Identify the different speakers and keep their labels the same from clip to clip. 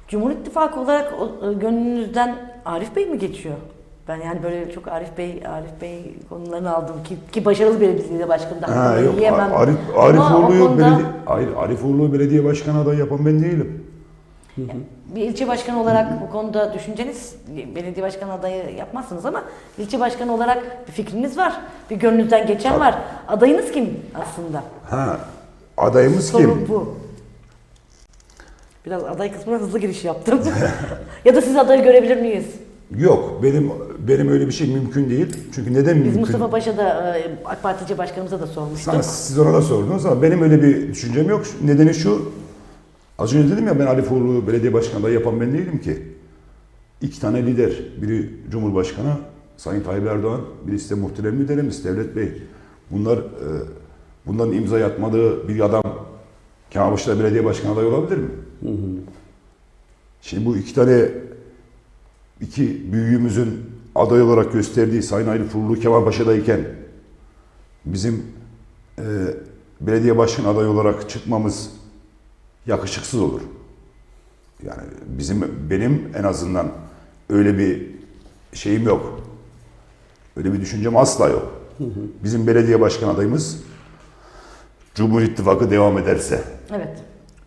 Speaker 1: Cumhur İttifakı olarak gönlünüzden Arif Bey mi geçiyor? Ben yani böyle çok Arif Bey konularını aldım ki başarılı belediye başkanı da
Speaker 2: Ha, yok.
Speaker 1: yiyemem.
Speaker 2: Arifoğlu'yu belediye başkanı adayı yapan ben değilim.
Speaker 1: Bir ilçe başkanı olarak bu konuda düşünceniz, belediye başkanı adayı yapmazsınız ama ilçe başkanı olarak bir fikriniz var, bir gönlünüzden geçen var. Adayınız kim aslında?
Speaker 2: Ha, adayımız
Speaker 1: Sorun
Speaker 2: kim?
Speaker 1: bu. Biraz aday kısmına hızlı giriş yaptım. Ya da siz adayı görebilir miyiz?
Speaker 2: Yok, benim öyle bir şey mümkün değil. Çünkü neden
Speaker 1: Biz
Speaker 2: mümkün?
Speaker 1: Mustafa Paşa da AK Parti ilçe başkanımıza da sormuştuk.
Speaker 2: Siz ona da sordunuz ama benim öyle bir düşüncem yok. Nedeni şu, az önce dedim ya ben Arifoğlu belediye başkanı adayı yapan ben değilim ki. İki tane lider, biri Cumhurbaşkanı Sayın Tayyip Erdoğan, birisi de muhterem liderimiz Devlet Bey. Bunların imza atmadığı bir adam Kemalpaşa'da belediye başkanı adayı olabilir mi? Şimdi bu iki büyüğümüzün aday olarak gösterdiği Sayın Arifoğlu Kemalpaşa'dayken bizim belediye başkanı adayı olarak çıkmamız yakışıksız olur. Yani benim en azından öyle bir şeyim yok. Öyle bir düşüncem asla yok. Bizim belediye başkan adayımız Cumhur İttifakı devam ederse,
Speaker 1: Evet.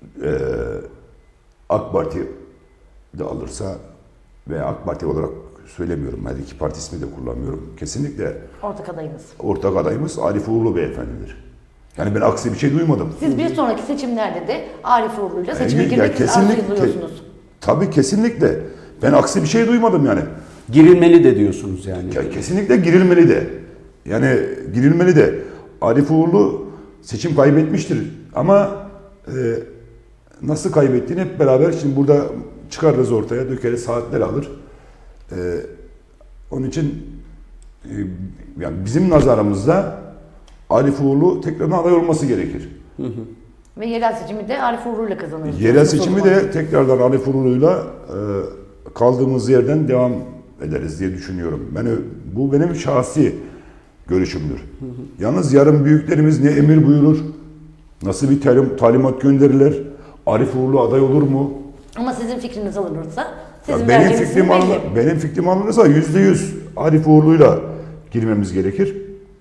Speaker 2: AK Parti de alırsa ve AK Parti olarak söylemiyorum, her iki parti ismi de kullanmıyorum. Kesinlikle
Speaker 1: Ortak adayınız.
Speaker 2: ortak adayımız Arifoğlu beyefendidir. Yani ben aksi bir şey duymadım.
Speaker 1: Siz bir sonraki seçimlerde de Arif Uğurlu'yla seçime
Speaker 2: Ya
Speaker 1: girmek arzuluyorsunuz.
Speaker 2: Tabii kesinlikle. Ben aksi bir şey duymadım yani.
Speaker 3: Girilmeli de diyorsunuz yani.
Speaker 2: Ya kesinlikle girilmeli de. Yani girilmeli de. Arif Uğurlu seçim kaybetmiştir. Ama nasıl kaybettiğini hep beraber şimdi burada çıkarırız ortaya, dökeriz, saatler alır. Onun için yani bizim nazarımızda Arif Uğurlu tekrardan aday olması gerekir.
Speaker 1: Ve yerel seçimi de Arif Uğurlu'yla kazanırız.
Speaker 2: Yerel seçimi de tekrardan Arif Uğurlu'yla kaldığımız yerden devam ederiz diye düşünüyorum. Bu benim şahsi görüşümdür. Yalnız yarın büyüklerimiz ne emir buyurur, nasıl bir talimat gönderirler, Arif Uğurlu aday olur mu?
Speaker 1: Ama sizin fikriniz alınırsa, sizin
Speaker 2: Ya
Speaker 1: vereceğiniz isim belli.
Speaker 2: benim fikrim alınırsa %100 Arif Uğurlu'yla girmemiz gerekir.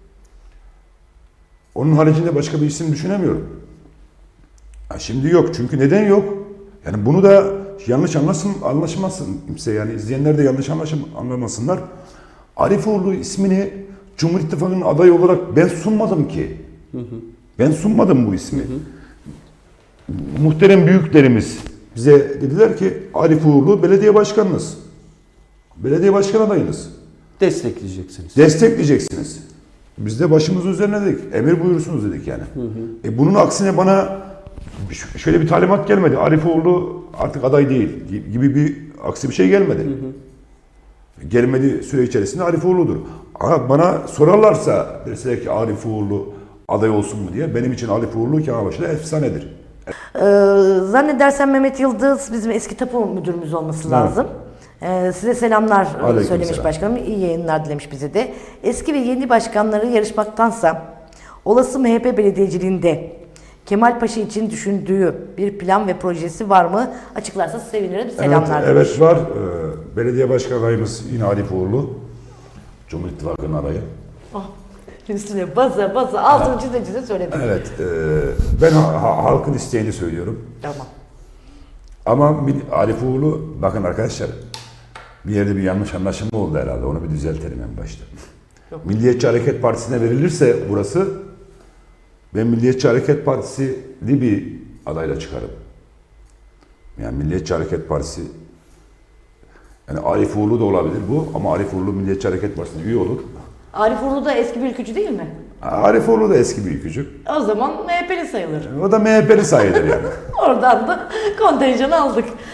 Speaker 2: Onun haricinde başka bir isim düşünemiyorum. Ya şimdi yok. Çünkü neden yok? Yani bunu da yanlış anlaşılmasın kimse. Yani izleyenler de yanlış anlamasınlar. Arif Uğurlu ismini Cumhur İttifakı'nın adayı olarak ben sunmadım ki. Ben sunmadım bu ismi. Muhterem büyüklerimiz bize dediler ki Arif Uğurlu belediye başkanınız. Belediye başkan adayınız.
Speaker 3: Destekleyeceksiniz.
Speaker 2: Destekleyeceksiniz. Biz de başımızın üzerine dedik. Emir buyursunuz dedik yani. Bunun aksine bana şöyle bir talimat gelmedi. Arif Uğurlu artık aday değil gibi bir aksi bir şey gelmedi. Gelmedi süre içerisinde Arif Uğurlu'dur. Ama bana sorarlarsa deseler ki Arif Uğurlu aday olsun mu diye benim için Arif Uğurlu Kemalpaşa'da efsanedir.
Speaker 1: Zannedersem Mehmet Yıldız bizim eski tapu müdürümüz olması lazım. Size selamlar söylemiş
Speaker 2: selam.
Speaker 1: başkanım. İyi yayınlar dilemiş bize de. Eski ve yeni başkanları yarışmaktansa olası MHP belediyeciliğinde Kemal Paşa için düşündüğü bir plan ve projesi var mı? Açıklarsa sevinirim. Selamlar demiş.
Speaker 2: Evet var. Belediye başkan adayımız yine Arif Uğurlu. Cumhur İttifakı'nın adayı.
Speaker 1: Üstüne baza altını çize söyledim.
Speaker 2: Evet. Ben halkın isteğini söylüyorum.
Speaker 1: Tamam.
Speaker 2: Ama Arif Uğurlu, bakın arkadaşlar, bir yerde bir yanlış anlaşılma oldu herhalde. Onu bir düzeltelim en başta.
Speaker 1: Yok.
Speaker 2: Milliyetçi Hareket Partisi'ne verilirse burası, ben Milliyetçi Hareket Partisi'li bir adayla çıkarım. Yani Milliyetçi Hareket Partisi, yani Arif Uğurlu da olabilir bu ama Arif Uğurlu Milliyetçi Hareket Partisi'ne üye olur.
Speaker 1: Arif Uğurlu da eski bir ülkücü değil mi?
Speaker 2: Arif Uğurlu da eski bir ülkücü.
Speaker 1: O zaman MHP'li sayılır.
Speaker 2: O da MHP'li sayılır yani.
Speaker 1: Oradan da kontenjanı aldık.